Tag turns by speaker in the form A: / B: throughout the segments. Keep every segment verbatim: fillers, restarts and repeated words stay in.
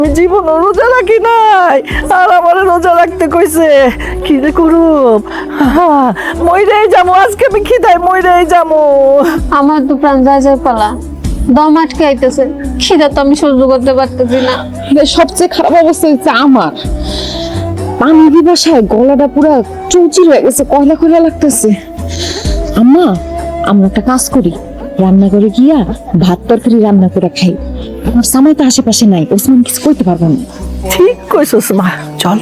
A: জীবন রোজা রাখি নাই, আর আমার রোজা রাখতে কইছে। কি যে করুম, মইরাই যাবো আজকে, আমি খিদায় মইরাই যাবো।
B: আমার তো প্রাণ যায় যায় পালা, দম আটকে আইতেছে, খিদা তো আমি সহ্য করতে পারতেছি না।
C: সবচেয়ে খারাপ অবস্থা হচ্ছে আমার, পানি দিবাসায় গলাটা পুরা চৌচির হয়ে গেছে, কয়লা কয়লা লাগতেছে। আম্মা, আমরা একটা কাজ করি, রান্না করে গিয়া ভাত তরকারি রান্না করে খাই। আমার সামাই তো আশেপাশে নাই, ওসমান কিছু কইতে পারবো না।
A: ঠিক কইছস মা, চল।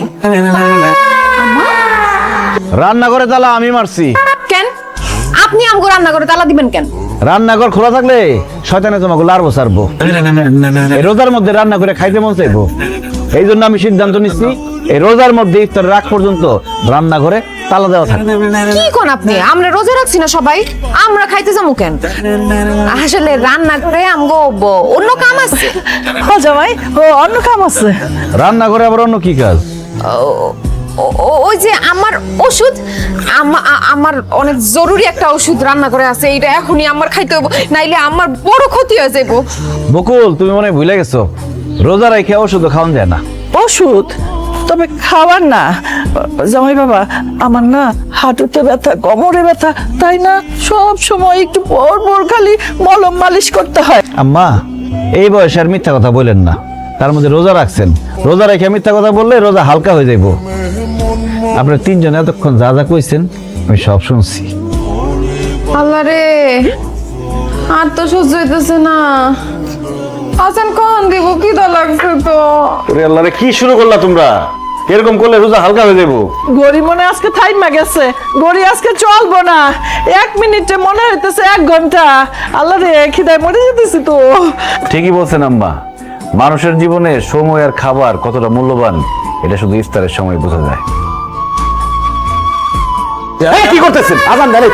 D: রান্নাঘরে তালা আমি মারছি।
C: কেন আপনি আমগো রান্না করে তালা দিবেন কেন?
D: রান্নাঘর খোলা থাকলে শয়তানে তোমাকে লারবো সারবো। এই রোজার মধ্যে রান্না করে খাইতে মন চাইবো, এই জন্য আমি সিদ্ধান্ত নিচ্ছি এই রোজার মধ্যে ইফতার রাখ পর্যন্ত রান্নাঘরে তালা দেওয়া থাকবে।
C: কি কোন আপনি? আমরা রোজা রাখছি না সবাই, আমরা খাইতে যাবো কেন? আসলে রান্না করে আমগো ব- অন্য কাম আছে।
A: ও জামাই, ও অন্য কাম আছে।
D: রান্নাঘরে আবার অন্য কি কাজ?
C: ও- ও- ওই যে আমার ওষুধ, আমা- আ- আমার অনেক জরুরি একটা ওষুধ রান্না করে আছে, এইটা এখনই আমার খাইতে হবে, নাইলে আমার বড় ক্ষতি হয়ে যাইব।
D: বকুল, তুমি মনে হয় ভুলে গেছো, রোজা রেখে ওষুধ খাওয়ান যায় না।
A: ওষুধ তবে খাবার না জামাই বাবা, আমার না হাঁটুতে ব্যথা, কোমরে ব্যথা, তাই না সব সময় একটু পর পর খালি মলম মালিশ করতে হয়।
D: আম্মা, এই বয়সে আর মিথ্যা কথা বললেন না, তার মধ্যে রোজা রাখছেন, রোজা রেখে মিথ্যা কথা বললে রোজা হালকা হয়ে যাইব। আপনারা তিনজন এতক্ষণ যা যা কইছেন আমি সব শুনছি।
C: আল্লাহ রে, আর তো সহ্য হইতেছে না। আসান কখন দিব, কি দা লাগছে তো।
D: ওরে আল্লাহ রে, কি শুরু করলা তোমরা? এরকম করলে রোজা হালকা হয়ে যাইব।
A: গড়ি মনে আজকে থাইমা গেছে, গড়ি আজকে চলবো না, এক মিনিটে মনে হইতেছে এক ঘন্টা। আল্লাহ রে, খিদায় মরে যেতেছি তো।
D: ঠিকই বলছেন আম্মা, মানুষের জীবনে সময় আর খাবার কতটা মূল্যবান এটা শুধু ইফতারের সময় বোঝা যায়। এই, কি করতেছেন? আজান দেন।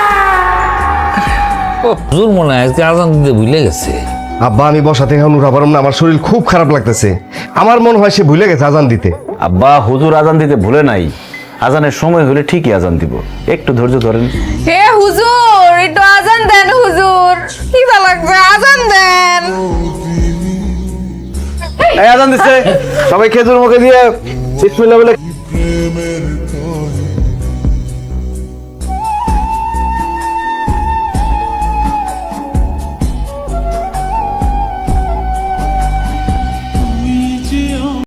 E: হুজুর মনে হয় আজকে আজান দিতে ভুলে গেছে।
F: আব্বা, আমি বসা থেকে এখন উঠা পারলাম না, আমার শরীর খুব খারাপ লাগতেছে। আমার মনে হয় সে ভুলে গেছে আজান দিতে।
D: আব্বা, হুজুর আজান দিতে ভুলে নাই, আজানের সময় হলে ঠিকই আজান দিব, একটু ধৈর্য ধরেন।
C: হে হুজুর, একটু আজান দেন হুজুর, কি দা লাগছে, আজান দেন।
D: এই আজান দিচ্ছে, সবাই খেজুর মুখে দিয়ে বিসমিল্লাহ বলে।